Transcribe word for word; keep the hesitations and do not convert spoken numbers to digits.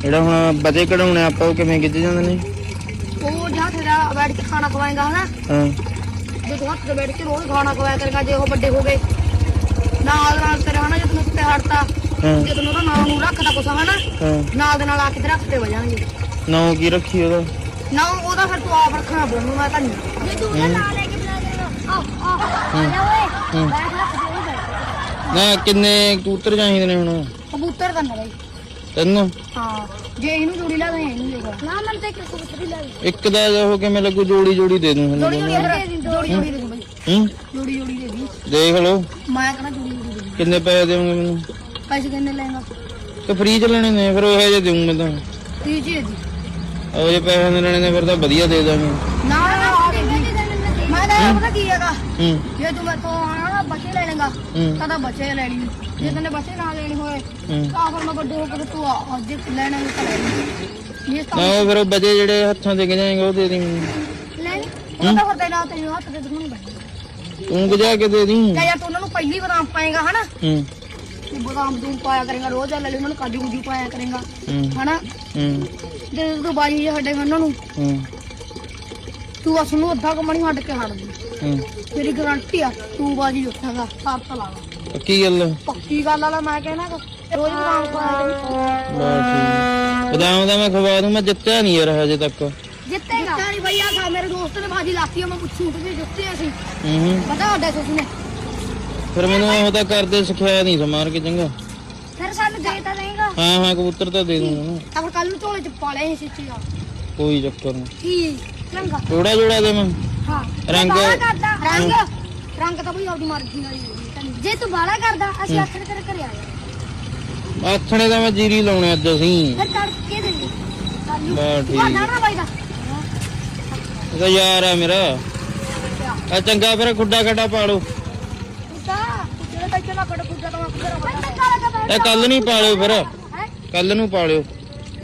ਜਿਹੜਾ ਹੁਣ ਬਜੇ ਕਢਾਉਣੇ ਆਪਾਂ ਉਹ ਕਿਵੇਂ ਖਿੱਚ ਜਾਂਦੇ ਨੇ? ਉਹ ਜਾਂ ਤੇਰਾ ਬੈਠ ਕੇ ਖਾਣਾ ਖਵਾਏਗਾ ਹਨਾ। ਹਾਂ ਜੇ ਤੂੰ ਹੱਥ ਤੇ ਬੈਠ ਕੇ ਰੋਜ਼ ਖਾਣਾ ਖਵਾਇਆ ਕਰੇਗਾ, ਜੇ ਉਹ ਵੱਡੇ ਹੋ ਗਏ ਨਾਲ ਨਾਲ ਤੇਰੇ ਹਨਾ, ਜੇ ਤੈਨੂੰ ਉੱਤੇ ਹੜਤਾ ਜੇ ਤੈਨੂੰ ਉਹਦਾ ਨਾਂ ਨੂੰ ਰੱਖਦਾ ਕੁਛ ਹਨਾ, ਨਾਲ ਦੇ ਨਾਲ ਆ ਕੇ ਤੇ ਰੱਖ ਤੇ ਵਜਾਂਗੇ। ਨਾਂ ਕੀ ਰੱਖੀ ਉਹਦਾ? ਨਾ ਉਹਦਾ ਫਿਰ ਤੂੰ ਆਪ ਰੱਖਣਾ ਪਊਗਾ, ਮੈਂ ਤਾਂ ਨਹੀਂ। ਜੇ ਤੂੰ ਉਹਦਾ ਨਾਂ ਲੈ ਕੇ ਬੁਲਾ ਦੇਗਾ ਆ ਆ ਆ ਜਾ ਓਏ ਬੈਠ ਰੱਖ ਦੇ ਉਹ ਬੈਠ। ਨਾ ਕਿੰਨੇ ਕਬੂਤਰ ਚਾਹੀਦੇ ਨੇ ਹੁਣ? ਕਬੂਤਰ ਤਾਂ ਨਹੀਂ ਤਿੰਨ। ਹਾਂ ਜੇ ਇਹਨੂੰ ਜੋੜੀ ਲਾ ਦੇ ਇਹਨੂੰ ਦੇਗਾ ਨਾ ਮਨ ਤੇ ਇੱਕ ਕਬੂਤਰ ਹੀ ਲਾ ਦੇ। ਇੱਕ ਦਾ ਉਹ ਕਿਵੇਂ ਲੱਗੂ? ਜੋੜੀ ਜੋੜੀ ਦੇ ਦੂੰ ਜੋੜੀ ਜੋੜੀ ਜੋੜੀ ਜੋੜੀ ਦੇ ਦੂੰ ਬਈ। ਹੂੰ ਜੋੜੀ ਜੋੜੀ ਦੇ ਦੀ। ਦੇਖ ਲਓ ਮੈਂ ਕਹਿੰਦਾ ਜੋੜੀ ਜੋੜੀ ਦੇ। ਕਿੰਨੇ ਪੈਸੇ ਦੇਵੋਗੇ ਮੈਨੂੰ? ਪੈਸੇ ਕਿੰਨੇ ਲੈਣਾ? ਤੇ ਫ੍ਰੀ ਚ ਲੈਣੇ ਨੇ ਫਿਰ ਉਹ ਜਿਹੇ ਦੇਊਂ ਮੈਂ ਤਾਂ। ਫ੍ਰੀ ਚ ਦੇ। ਉਹ ਜੇ ਪੈਸੇ ਦੇ ਲੈਣੇ ਨੇ ਫਿਰ ਤਾਂ ਵਧੀਆ ਦੇ ਦਾਂਗੇ। ਨਾ ਨਾ ਮੈਂ ਤਾਂ ਪਤਾ ਕੀ ਹੈਗਾ, ਹੂੰ ਜੇ ਤੂੰ ਮੇਰੇ ਤੋਂ ਆਣਾ ਨਾ ਬੱਚੇ ਲੈ ਲੇਗਾ ਤਾਂ ਤਾਂ ਬੱਚੇ ਲੈ ਲਈ, ਜੇ ਤੈਨੇ ਬੱਚੇ ਨਾ ਲੈਣੇ ਹੋਏ ਤਾਂ ਫਿਰ ਮੈਂ ਵੱਡੇ ਹੋ ਕੇ ਤੂੰ ਅੱਜ ਲੈਣਾ ਤਾਂ ਲੈ ਲਈ। ਇਹ ਨਾ ਉਹ ਫਿਰ ਉਹ ਬਜੇ ਜਿਹੜੇ ਹੱਥਾਂ ਤੇ ਗਿਜਾਏਂਗੇ ਉਹ ਦੇ ਦੀ ਮੈਨੂੰ। ਲੈ ਉਹ ਤਾਂ ਫਿਰ ਤੇਰਾ ਤੈਨੂੰ ਹੱਥ ਦੇ ਦੂੰਗਾ ਬੱਚੇ। ਤੂੰ ਗਿਜਾ ਕੇ ਦੇ ਦੀ। ਜਾਂ ਯਾਰ ਤੂੰ ਉਹਨਾਂ ਨੂੰ ਪਹਿਲੀ ਬਦਾਮ ਪਾਏਗਾ ਹਨਾ, ਹੂੰ ਤੂੰ ਬਦਾਮ ਦੂੰ ਪਾਇਆ ਕਰੇਗਾ ਰੋਜ਼, ਲੈ ਲੈ ਉਹਨਾਂ ਨੂੰ ਕਾਜੂ ਕੁਜੂ ਪਾਇਆ ਕਰੇਗਾ ਹਨਾ। ਹੂੰ ਤੇ ਤੂੰ ਬਾਜੀ ਹੱਡੇ ਉਹਨਾਂ ਨੂੰ ਹੂੰ ਤੂੰ ਬਸ ਉਹਨੂੰ ਅੱਧਾ ਕਮਣੀ ਹੱਡ ਕੇ ਹੱਡ ਦੇ। ਹੂੰ ਤੇਰੀ ਗਾਰੰਟੀ ਆ ਤੂੰ ਬਾਜੀ ਉੱਠਾਂਗਾ ਸਾਰ ਤਾਂ ਲਾ ਲਾ। ਪੱਕੀ ਗੱਲ ਹੈ? ਪੱਕੀ ਗੱਲ ਆ ਮੈਂ ਕਹਿਣਾ ਰੋਜ਼ ਬਦਾਮ ਪਾਇਆ ਕਰੀ। ਬਸ ਠੀਕ। ਬਦਾਮ ਦਾ ਮੈਂ ਖਵਾ ਦੂੰ, ਮੈਂ ਜਿੱਤਿਆ ਨਹੀਂ ਯਾਰ ਹਜੇ ਤੱਕ। ਜਿੱਤੇਗਾ ਨਹੀਂ ਬਈ, ਆ ਮੇਰੇ ਦੋਸਤ ਨੇ ਬਾਜੀ ਲਾਤੀ, ਮੈਂ ਪੁੱਛੂ ਕਿ ਜਿੱਤੇ ਅਸੀਂ ਹੂੰ ਪਤਾ ਵੱਡਾ ਸੁਸ ਨੇ। ਫਿਰ ਮੈਨੂੰ ਉਹ ਤਾਂ ਕਰਦੇ ਸਿਖਾਇਆ ਨਹੀਂ ਸਮਾਰ ਕੇ ਚੰਗਾ। ਫਿਰ ਸਾਨੂੰ ਦੇ ਤਾਂ ਦੇਗਾ। ਹਾਂ ਹਾਂ ਕਬੂਤਰ ਤਾਂ ਦੇ ਦੂੰਗਾ ਨਾ। ਤਾਂ ਕੱਲ ਨੂੰ ਝੋਲੇ ਚ ਪਾ ਲੈ ਸਿੱਚੀ ਦਾ ਕੋਈ ਚੱਕਰ ਨਹੀਂ। ਕੀ ਰੰਗਾ ਥੋੜਾ ਜੋੜਾ ਦੇ ਮੈਂ ਹਾਂ ਰੰਗ ਕਰਦਾ ਰੰਗ ਰੰਗ ਤਾਂ ਬਈ ਆਪਦੀ ਮਰਜ਼ੀ ਨਾਲ ਹੀ। ਜੇ ਤੂੰ ਬਾਲਾ ਕਰਦਾ ਅਸੀਂ ਆਖਰ ਤੇਰੇ ਘਰੇ ਆ ਜਾਣਾ। ਆਥਣੇ ਦਾ ਮੈਂ ਜੀਰੀ ਲਾਉਣੇ ਅੱਜ ਅਸੀਂ। ਫਿਰ ਤੜਕੇ ਦੇ ਲਈ ਕੱਲ ਨੂੰ ਬਸ ਠੀਕ। ਨਾ ਨਾ ਬਾਈ ਦਾ ਇਹਦਾ ਯਾਰ ਆ ਮੇਰਾ। ਆ ਚੰਗਾ ਫਿਰ ਖੁੱਡਾ ਖੱਡਾ ਪਾ ਲਓ। ਕੁੱਤਾ ਜਿਹੜਾ ਤਾਂ ਚਲਾ ਕੜ ਕੁੱਤਾ ਤਾਂ ਮੈਂ ਘਰ ਆ। ਇਹ ਕੱਲ ਨਹੀਂ ਪਾ ਲਿਓ ਫਿਰ, ਕੱਲ ਨੂੰ ਪਾ ਲਿਓ।